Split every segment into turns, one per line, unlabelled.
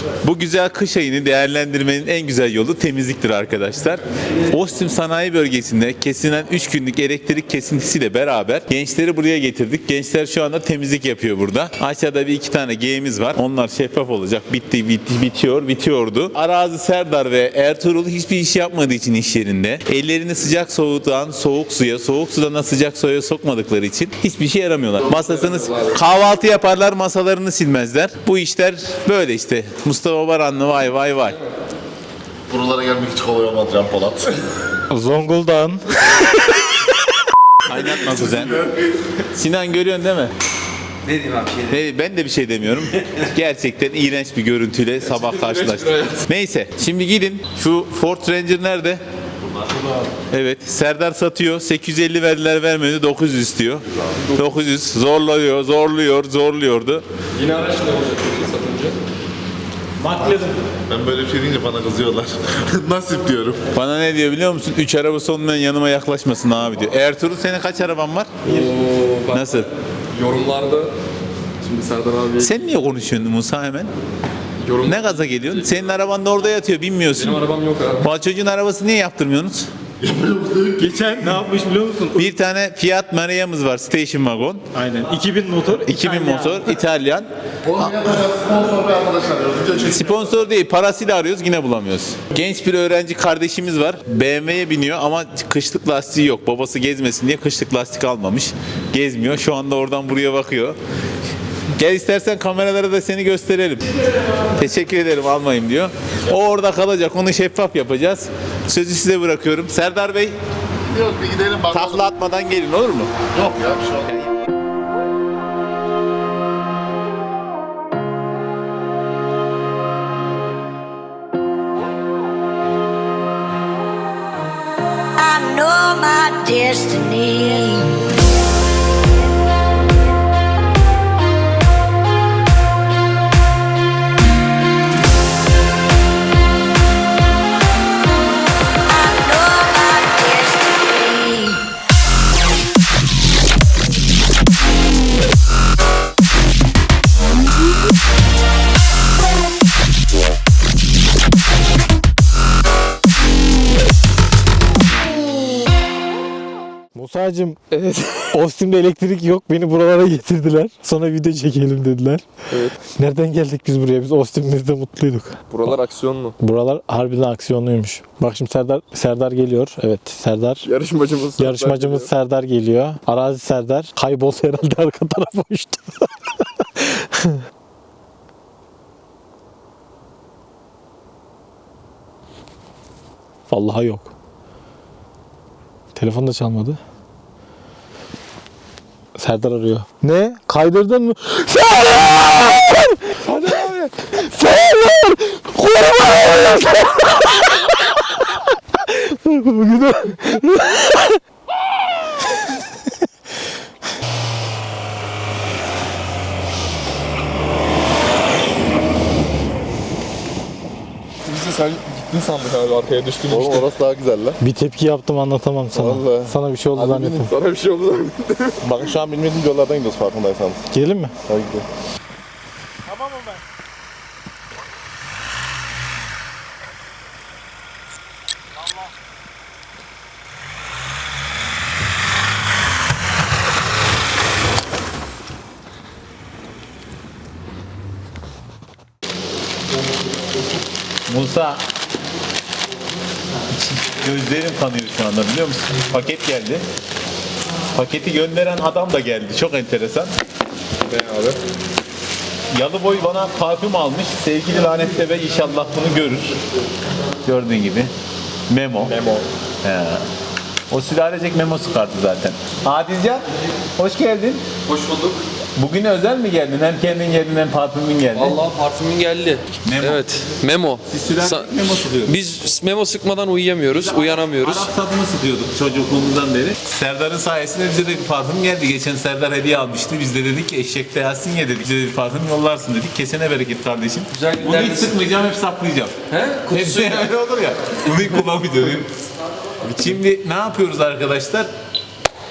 Bu güzel kış ayını değerlendirmenin en güzel yolu temizliktir arkadaşlar. Ostim Sanayi Bölgesi'nde kesilen 3 günlük elektrik kesintisiyle beraber gençleri buraya getirdik. Gençler şu anda temizlik yapıyor burada. Aşağıda bir iki tane G'miz var. Onlar şeffaf olacak. Bitiyordu. Arazi Serdar ve Ertuğrul hiçbir iş yapmadığı için iş yerinde. Ellerini sıcak soğuktan soğuk suya, soğuk sudan sıcak suya sokmadıkları için hiçbir şey yaramıyorlar. Masasınız kahvaltı yaparlar, masalarını silmezler. Bu işler böyle işte. Mustafa Baranlı vay vay vay.
Buralara gelmek hiç kolay olmadı Can Polat.
Zonguldak'ın.
Kaynatma kuzen. Sinan görüyorsun değil mi?
Ne diyeyim abi
Ben de bir şey demiyorum. Gerçekten iğrenç bir görüntüyle sabah karşılaştık. Neyse şimdi gidin. Şu Ford Ranger nerede? Evet, Serdar satıyor. 850 verdiler, vermedi. 900 istiyor. 900 zorluyordu.
Yine araç ne olacak satınca?
McLaren.
Ben böyle bir şey deyince bana kızıyorlar. Nasip diyorum.
Bana ne diyor biliyor musun? 3 arabası olmayan yanıma yaklaşmasın abi diyor. Ertuğrul senin kaç araban var?
Bak,
Nasıl?
yorumlarda şimdi Serdar abi
Sen niye konuşuyorsun Musa hemen?
yorum.
Ne gaza geliyorsun? Senin araban da orada yatıyor, bilmiyorsun.
Benim arabam yok abi.
Bu çocuğun arabası niye yaptırmıyorsunuz?
Geçen ne yapmış biliyor musun?
Bir tane Fiat Maria'mız var, station wagon.
Aynen. 2000 motor.
2000 motor, İtalyan.
Sponsor bir arkadaş arıyoruz. Video çekiyoruz.
Sponsor değil, parasıyla arıyoruz, yine bulamıyoruz. Genç bir öğrenci kardeşimiz var. BMW'ye biniyor ama kışlık lastiği yok. Babası gezmesin diye kışlık lastik almamış. Gezmiyor. Şu anda oradan buraya bakıyor. Gel istersen kameralara da seni gösterelim. Teşekkür ederim, almayayım diyor. O orada kalacak. Onu şeffaf yapacağız. Sözü size bırakıyorum. Serdar Bey,
Yok bir gidelim bakalım.
takla atmadan gelin, olur mu?
Yok ya bir şey olmaz.
I know my destiny. I know my destiny.
Musa'cığım, Ostim'de elektrik yok. Beni buralara getirdiler. Sonra video çekelim dediler.
Evet.
Nereden geldik biz buraya? Biz Ostim'imizde mutluyduk.
Buralar aksiyonlu.
Buralar harbiden aksiyonluymuş. Bak şimdi Serdar geliyor. Evet, Serdar. Yarışmacımız Serdar geliyor. Arazi Serdar. Kayboldu herhalde, arka tarafa uçtu. Vallahi yok. Telefon da çalmadı. Serdar arıyor. Ne? Kaydırdın mı? Serdar! Hadi abi. Serdar! Kurban! Bugün
Sen gittin sandık abi, arkaya düştün
Oğlum
işte.
orası daha güzel lan.
bir tepki yaptım, anlatamam sana.
Vallahi.
Sana bir şey oldu zannettim.
Sana bir şey oldu lan.
Bakın şu an bilmediğim yollardan gidiyoruz farkındaysanız.
Gidelim mi?
Hadi gidelim.
Musa, gözlerim kanıyor şu anda, biliyor musun? Paket geldi. Paketi gönderen adam da geldi. Çok enteresan.
Ne abi?
Yalıboy bana parfüm almış. Sevgili Lanetli Bey inşallah bunu görür. Gördüğün gibi. Memo. He. O sülalecek memo çıkarttı zaten. Adilcan, hoş geldin.
Hoş bulduk.
Bugün özel mi geldin? Hem kendin geldin hem parfümün geldi.
Vallahi parfümün geldi.
Memo.
Evet, memo.
Siz sülalecek memo sıkıyordunuz.
Biz memo sıkmadan uyuyamıyoruz, uyanamıyoruz.
Arap sabunu sıkıyorduk çocukluğumuzdan beri. Serdar'ın sayesinde bize de bir parfüm geldi. Geçen Serdar hediye almıştı. Biz de dedik ki eşekte Yasin ye dedik. Bize de bir parfüm yollarsın dedik. Kesene bereket kardeşim.
Güzel
Bunu hiç
günlerdesin.
sıkmayacağım, hep saklayacağım.
He?
Hepsi öyle olur ya. Bunu kullanmayacağım. Şimdi ne yapıyoruz arkadaşlar?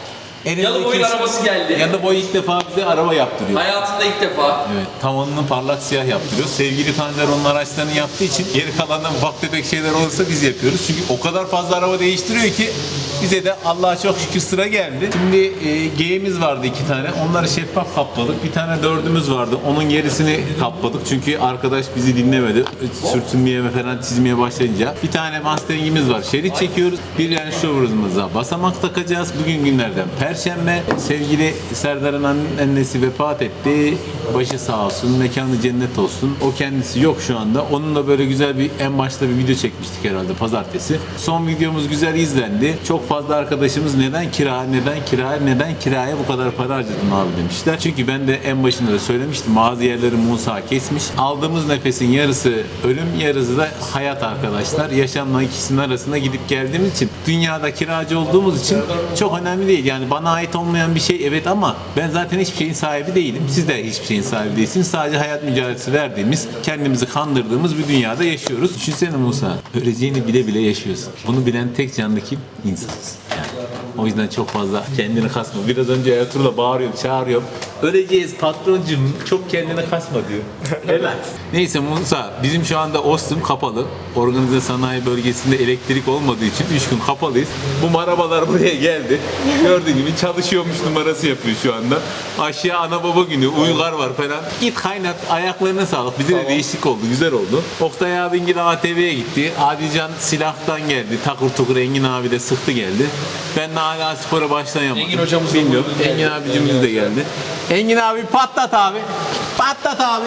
Yalıboy'un arabası geldi.
Yalıboy ilk defa bize araba yaptırıyor.
Hayatında ilk defa.
Evet, tavanını parlak siyah yaptırıyor. Sevgili Tanzer onun araçlarını yaptığı için geri kalandan ufak tefek şeyler olursa biz yapıyoruz. Çünkü o kadar fazla araba değiştiriyor ki bize de Allah'a çok şükür sıra geldi. Şimdi G'miz vardı 2 tane. Onları şeffaf kapladık. Bir tane 4'ümüz vardı. Onun gerisini kapladık. Çünkü arkadaş bizi dinlemedi. Sürtünmeye falan çizmeye başlayınca. Bir tane masteringimiz var. Şerit çekiyoruz. Bir yani şovurumuza basamak takacağız. Bugün günlerden Perşembe. Sevgili Serdar'ın annesi vefat etti. Başı sağ olsun. Mekanı cennet olsun. O kendisi yok şu anda. Onunla böyle güzel bir en başta bir video çekmiştik herhalde pazartesi. Son videomuz güzel izlendi. Çok fazla arkadaşımız neden kiraya bu kadar para harcadın abi demişler. Çünkü ben de en başında da söylemiştim. Bazı yerleri Musa kesmiş. Aldığımız nefesin yarısı ölüm, yarısı da hayat arkadaşlar. Yaşamla ikisinin arasında gidip geldiğimiz için dünyada kiracı olduğumuz için çok önemli değil. Yani bana ait olmayan bir şey evet ama ben zaten hiçbir şeyin sahibi değilim. Siz de hiçbir şeyin sahibi değilsiniz. Sadece hayat mücadelesi verdiğimiz, kendimizi kandırdığımız bir dünyada yaşıyoruz. Düşünsene Musa, öleceğini bile bile yaşıyorsun. Bunu bilen tek canlı kim? İnsansın. Yani. O yüzden çok fazla kendini kasma. Biraz önce Ertuğrul'a bağırıyorum, çağırıyorum. Öleceğiz patroncum, çok kendini kasma diyor. Helal. Neyse Musa, bizim şu anda Ostim kapalı. Organize sanayi bölgesinde elektrik olmadığı için 3 gün kapalıyız. Bu arabalar buraya geldi. Gördüğün gibi çalışıyormuş numarası yapıyor şu anda. Aşağı ana baba günü, uygar var falan. Git kaynat, ayaklarına sağlık. Bize de değişik oldu, güzel oldu. Oktay abin gibi ATV'ye gitti. Adican silahtan geldi. Takır tukur Engin abi de sıktı geldi. Ben de hala spora başlayamadım.
Engin hocamız da
bilmiyorum. Engin abicimiz de geldi. Engin abi patlat abi. Patlat abi.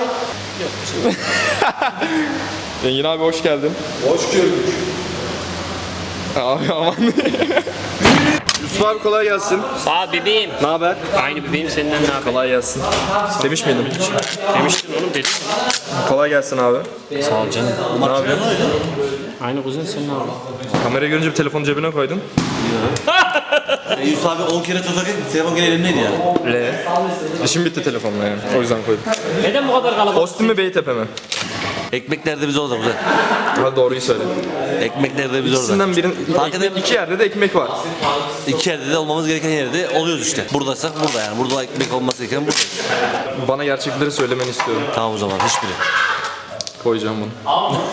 Engin abi hoş geldin.
Hoş gördük.
Abi aman. Yusuf abi kolay gelsin.
Aa bebeğim.
Ne haber?
Aynı bebeğim senden ne haber?
Kolay gelsin. Demiş miydim?
Demiştin oğlum dedim.
Kolay gelsin abi.
Sağ ol canım.
Ne yapıyorsun?
Aynı kuzen sen ne haber?
Kamerayı görünce bir telefonu cebine koydun.
Yusuf abi 10 kere tutarak telefon gene elimdeydi ya.
İşim bitti telefonla yani. O yüzden koydum.
Neden bu kadar kalabalık?
Ostim mi Beytepe mi?
Ekmek nerede biz orada güzel.
Hadi doğruyu söyle.
Ekmek nerede biz orada.
İkisinden birinin
Fark eder mi?
iki yerde de ekmek var.
İki yerde de olmamız gereken yerde oluyoruz işte. Buradaysak burada yani. Burada ekmek olması gereken buradayız.
Bana gerçekleri söylemeni istiyorum.
Tamam o zaman hiçbiri.
Koyacağım bunu.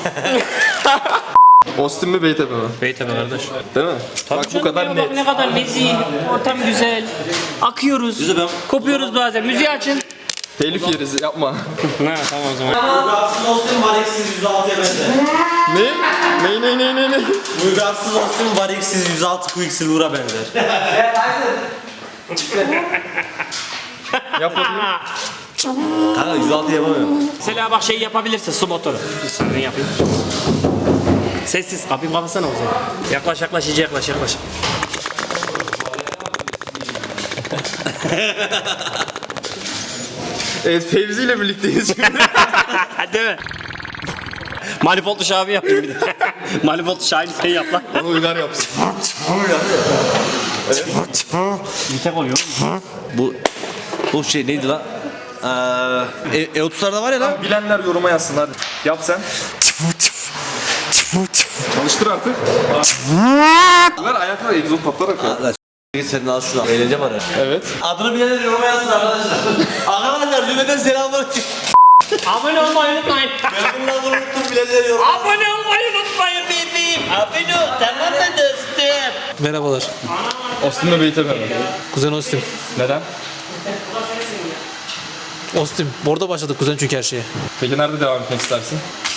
Ostim mi Beytepe mi?
Beytepe kardeş.
Değil mi?
Tabii
Bak bu
canım
kadar
ya,
net.
Bak ne kadar nezih, ortam güzel. Akıyoruz.
Güzel, ben-
Kopuyoruz bazen. Müziği açın.
Telif yeriz yapma.
Ha tamam o zaman.
Uygarsız olsun var eksiz 106'ya benzer.
Ne?
Uygarsız olsun var eksiz 106 quick silver'a benzer.
Yap bakayım.
Kanka 106 yapamıyorum.
Mesela bak şey yapabilirsin su motoru. Ben yapayım. Sessiz. Kapıyı kapatsana o zaman. Yaklaş iyice yaklaş.
Evet Fevzi ile birlikteyiz şimdi.
Değil mi? Manifoldlu Şabi yapayım bir de. Manifoldlu Şahin sen yap lan.
Onu uygar yapsın.
Bir tek oluyor.
Bu şey neydi lan? E30'larda var ya lan.
Bilenler yoruma yazsın hadi. Yap sen. Çalıştır artık. Ver ayaklar egzoz patlarak ya.
Git sen al şunu. Eğleneceğim ara.
Evet.
Adını bilenler yoruma yazsın arkadaşlar. Arkadaşlar Lübeden selamünaleyküm.
Abone olmayı unutmayın.
Ben bundan bunu unuttum bilenler yoruma.
Abone olmayı unutmayın bebeğim. Abone ol. Tamam mı dostum?
Merhabalar.
Ostim mi Beytepe mi?
Kuzen Ostim.
Neden?
Ostim. Orada başladık kuzen çünkü her şeye.
Peki nerede devam etmek istersin?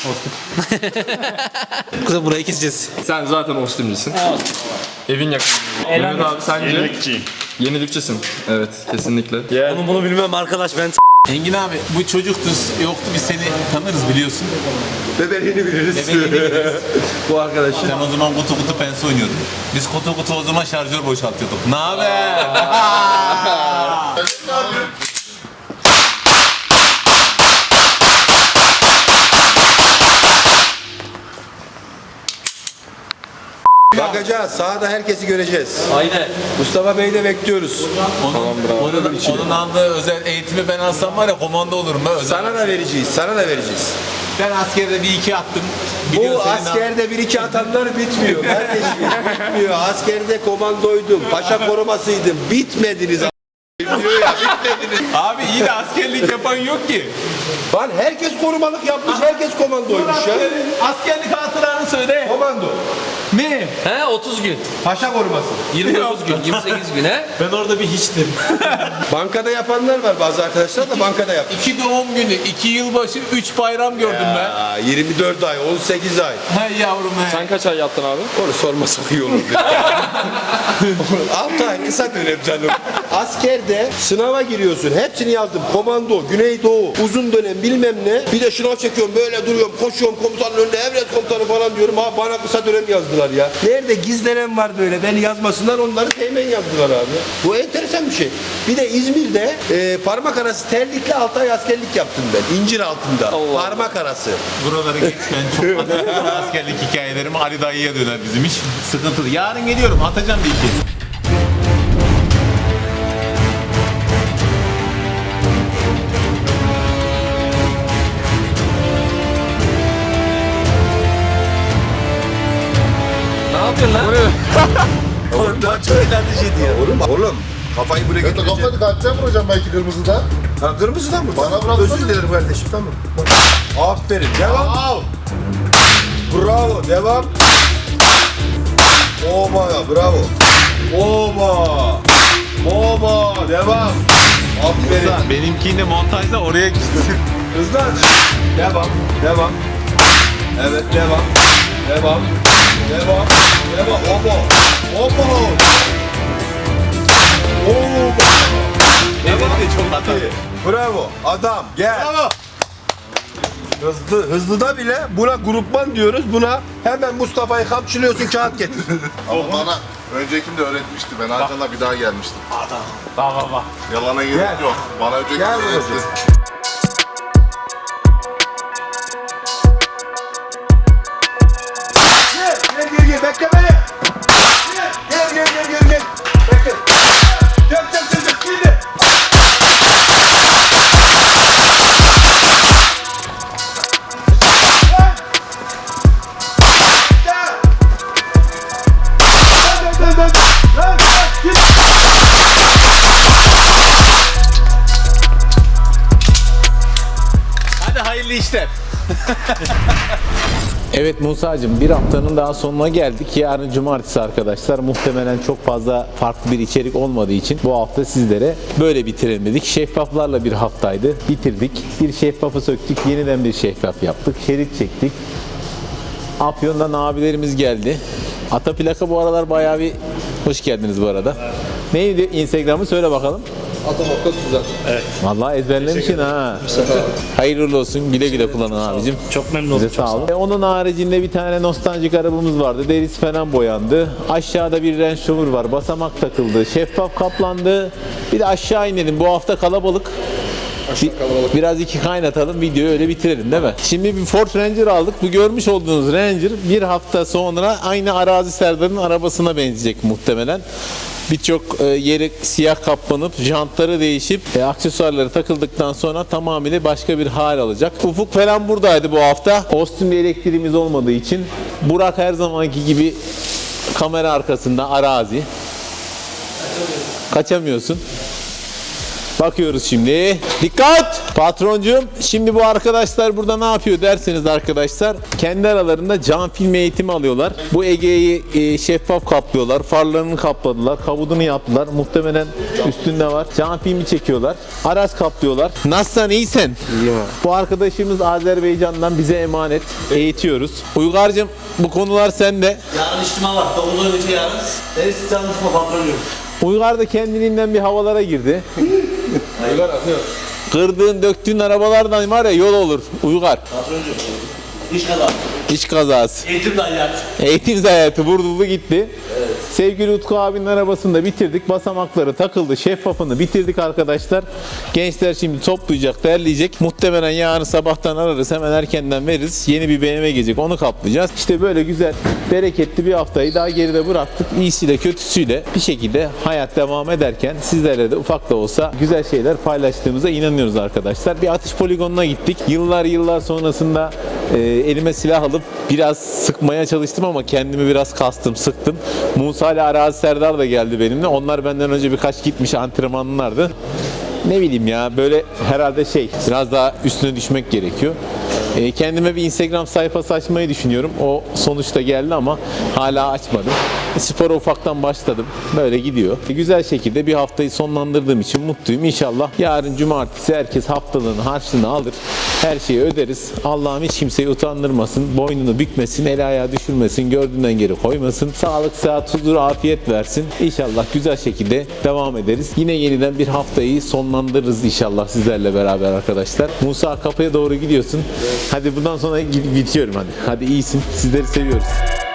Kuzen burayı keseceğiz.
Sen zaten Ostimcisin. Evin yakın. Mehmet abi sence? Yenilikçiyim. Yenilikçisin. Evet kesinlikle.
Bunu bilmem arkadaş ben.
Engin abi bu çocuktu, yoktu biz seni tanırız biliyorsun.
Bebeğini biliriz.
Bu arkadaş. Sen o zaman kutu pense oynuyordun. Biz kutu o zaman şarjör boşaltıyorduk. Ne haber?
Bakacağız. Sahada herkesi göreceğiz.
Aynen.
Mustafa Bey'i de bekliyoruz.
Onun aldığı özel eğitimi ben alsam var ya komando olurum ben. Özel.
Sana da vereceğiz.
Ben askerde bir iki attım.
Bu
Biliyorsun
askerde bir iki atanlar bitmiyor kardeşim. Bitmiyor. Askerde komandoydum. Paşa korumasıydım. Bitmediniz. Diyor ya, bitmediniz.
Abi iyi de askerlik yapan yok ki.
Lan herkes korumalık yapmış. Herkes komandoymuş ya.
Askerlik hatıranı söyle.
Komando.
Ne?
He 30 gün.
Paşa koruması.
29 gün. 28 gün he.
Ben orada bir hiçtim.
Bankada yapanlar var, bazı arkadaşlar da bankada yapmış.
2 doğum günü, 2 yılbaşı, 3 bayram gördüm ben.
Aa, 24 ay, 18 ay.
Hey yavrum he.
Sen kaç ay yattın abi?
Onu sormasak iyi olur. 6 ay kısa dönem canım. Askerde sınava giriyorsun. Hepsini yazdım. Komando, Güneydoğu, uzun dönem bilmem ne. Bir de şınav çekiyorum, böyle duruyorum, koşuyorum komutanın önünde, emret komutanı falan diyorum. Ha bana kısa dönem yazdılar ya. Nerede gizlenen var böyle, beni yazmasınlar, onları teğmen yazdılar abi. Bu enteresan bir şey. Bir de İzmir'de parmak arası terlikle 6 ay askerlik yaptım ben. İncir altında. Parmak arası.
Buraları geç, ben çok fazla askerlik hikayelerim Ali dayıya döner bizim iş. Sıkıntılı. Yarın geliyorum, atacağım bir iki.
Ne yapıyorsun lan?
Oğlum oğlum kafayı buraya
Ben de kafayı kalpten vuracağım belki kırmızıda.
Ha, kırmızıdan mı?
Bana bıraksana.
Özür dilerim kardeşim, tamam. Aferin, devam. Bravo, devam. Oba, bravo. Oba. Oba, devam. Aferin.
Benimkini de montajda oraya gitsin.
Hızlan. Devam, devam. Evet, devam. Devam. Devam. Devam. Oba. Oba. Oba.
Devam de çok hata.
Bravo. Adam gel. Bravo. Hızlıda bile buna grupman diyoruz. Buna hemen Mustafa'yı kapçılıyorsun, kağıt getir.
Ama bana öncekim de öğretmişti. Ben Hakan'la bir daha gelmiştim.
Bak.
Yalana gerek
Gel.
yok. Bana öncekim
Gel
de
babacığım.
öğretti.
Gel, bekle beni. Gel. Bekle. Gel, şimdi.
Hadi hayırlı işler. Evet Musa'cığım, bir haftanın daha sonuna geldik. Yarın cumartesi arkadaşlar. Muhtemelen çok fazla farklı bir içerik olmadığı için bu hafta sizlere böyle bitirelim dedik. Şeffaflarla bir haftaydı. Bitirdik. Bir şeffafı söktük. Yeniden bir şeffaf yaptık. Şerit çektik. Afyon'dan abilerimiz geldi. Ata plaka bu aralar bayağı bir... Hoş geldiniz bu arada. Neydi Instagram'ı söyle bakalım. Vallahi ezberlemişsin ha. Hayırlı olsun. Güle güle kullanın abicim.
Çok memnun oldum.
Size sağ olun. Onun haricinde bir tane nostaljik arabamız vardı. Derisi falan boyandı. Aşağıda bir Range Rover var. Basamak takıldı. Şeffaf kaplandı. Bir de aşağı inelim. Bu hafta kalabalık. Biraz iki kaynatalım. Videoyu öyle bitirelim değil mi? Şimdi bir Ford Ranger aldık. Bu görmüş olduğunuz Ranger bir hafta sonra aynı Arazi Serdar'ın arabasına benzeyecek muhtemelen. Birçok yeri siyah kaplanıp, jantları değişip, aksesuarları takıldıktan sonra tamamıyla başka bir hal alacak. Ufuk falan buradaydı bu hafta. Austin'de elektriğimiz olmadığı için. Burak her zamanki gibi kamera arkasında arazi. Kaçamıyorsun. Bakıyoruz şimdi. Dikkat! Patroncuğum, şimdi bu arkadaşlar burada ne yapıyor derseniz arkadaşlar, kendi aralarında cam film eğitimi alıyorlar. Bu Ege'yi şeffaf kaplıyorlar. Farlarını kapladılar. Kabudunu yaptılar. Muhtemelen üstünde var. Cam filmi çekiyorlar. Araç kaplıyorlar. Nasılsın, iyisin? İyiyim abi. Bu arkadaşımız Azerbaycan'dan bize emanet. Eğitiyoruz. Uygar'cığım, bu konular sende.
Yarın içtima var. 9'dan önce yarın. Neresi çalışma patronuyum.
Uygar da kendiliğinden bir havalara girdi. Kırdığın, döktüğün arabalardan var ya yol olur. Uygar.
Patroncuğum. İş kazası.
İş kazası.
Eğitim de hayat.
Eğitim hayatı vurdu gitti.
Evet.
Sevgili Utku abinin arabasını da bitirdik. Basamakları takıldı. Şeffafını bitirdik arkadaşlar. Gençler şimdi toplayacak, derleyecek. Muhtemelen yarın sabahtan ararız. Hemen erkenden veririz. Yeni bir BMW gelecek. Onu kaplayacağız. İşte böyle güzel, bereketli bir haftayı daha geride bıraktık. İyisiyle kötüsüyle bir şekilde hayat devam ederken sizlerle de ufak da olsa güzel şeyler paylaştığımıza inanıyoruz arkadaşlar. Bir atış poligonuna gittik. Yıllar sonrasında elime silah alıp biraz sıkmaya çalıştım ama kendimi biraz kastım, sıktım. Musa ile Arazi Serdar da geldi benimle. Onlar benden önce birkaç gitmiş antrenmanlardı. Ne bileyim ya, böyle herhalde biraz daha üstüne düşmek gerekiyor. Kendime bir Instagram sayfası açmayı düşünüyorum. O sonuçta geldi ama hala açmadım. Spora ufaktan başladım. Böyle gidiyor. Güzel şekilde bir haftayı sonlandırdığım için mutluyum. İnşallah yarın cumartesi herkes haftalığını, harçlığını alır. Her şeyi öderiz. Allah'ım hiç kimseyi utandırmasın. Boynunu bükmesin. El ayağı düşürmesin. Gördüğünden geri koymasın. Sağlık, sıhhat, huzur, afiyet versin. İnşallah güzel şekilde devam ederiz. Yine yeniden bir haftayı sonlandırırız inşallah sizlerle beraber arkadaşlar. Musa, kapıya doğru gidiyorsun. Hadi bundan sonra bitiyorum hadi. Hadi iyisin. Sizleri seviyoruz.